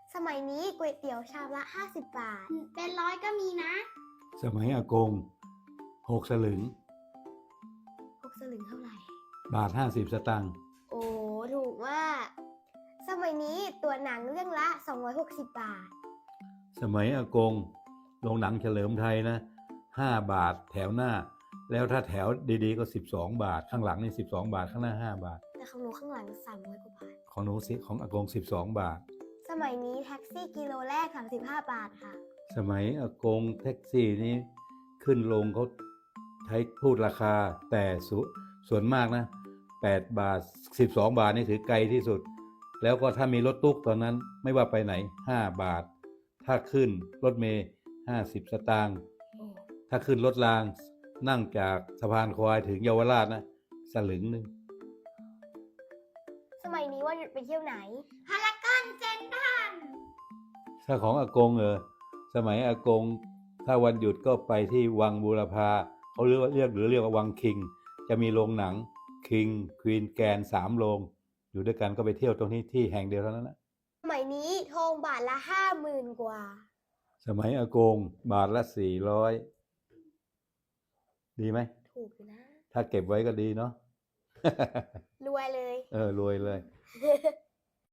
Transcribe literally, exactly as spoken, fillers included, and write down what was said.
สมัยนี้ก๋วยเตี๋ยวชามละห้าสิบบาทเป็นร้อยก็มีนะสมัยอากงหกสลึงหกสลึงเท่าไหร่บาทห้าสิบสตางค์โอ้ถูกมาก สมัยนี้ตัวหนังเรื่องละสองร้อยหกสิบบาทสมัยอากงโรงหนังเฉลิมไทยนะห้าบาทแถวหน้า แล้วถ้าแถวดีๆก็สิบสองบาทข้างหลังนี่สิบสองบาทข้างหน้าห้าบาทแต่ของหนูข้างหลังสามร้อยกว่าบาทของหนูสิของอากงสิบสองบาทสมัยนี้แท็กซี่กิโลแรกสามสิบห้าบาทค่ะสมัยอากงแท็กซี่นี้ขึ้นลงเขาใช้พูดราคาแต่สส่วนมากนะแปดบาทสิบสองบาทนี่ถือไกลที่สุด แล้วก็ถ้ามีรถตุ๊กตอนนั้นไม่ว่าไปไหนห้าบาท ถ้าขึ้นรถเมล์ห้าสิบสตางค์ถ้าขึ้นรถรางนั่งจากสะพานควายถึงเยาวราชนะสลึงหนึ่งสมัยนี้วันหยุดไปเที่ยวไหนพารากอนเซ็นทรัลถ้าของอากงเออสมัยอากงถ้าวันหยุดก็ไปที่วังบูรพาเขาเรียกว่าเรียกหรือเรียกว่าวังคิง จะมีโรงหนังคิงควีนแกนสามโรงอยู่ด้วยกันก็ไปเที่ยวตรงนี้ที่แห่งเดียวเท่านั้นนะสมัยนี้ทองบาทละห้าหมื่นกว่าสมัยอากงบาทละสี่ร้อยดีไหมถูกอยู่นะถ้าเก็บไว้ก็ดีเนาะรวยเลยเออรวยเลย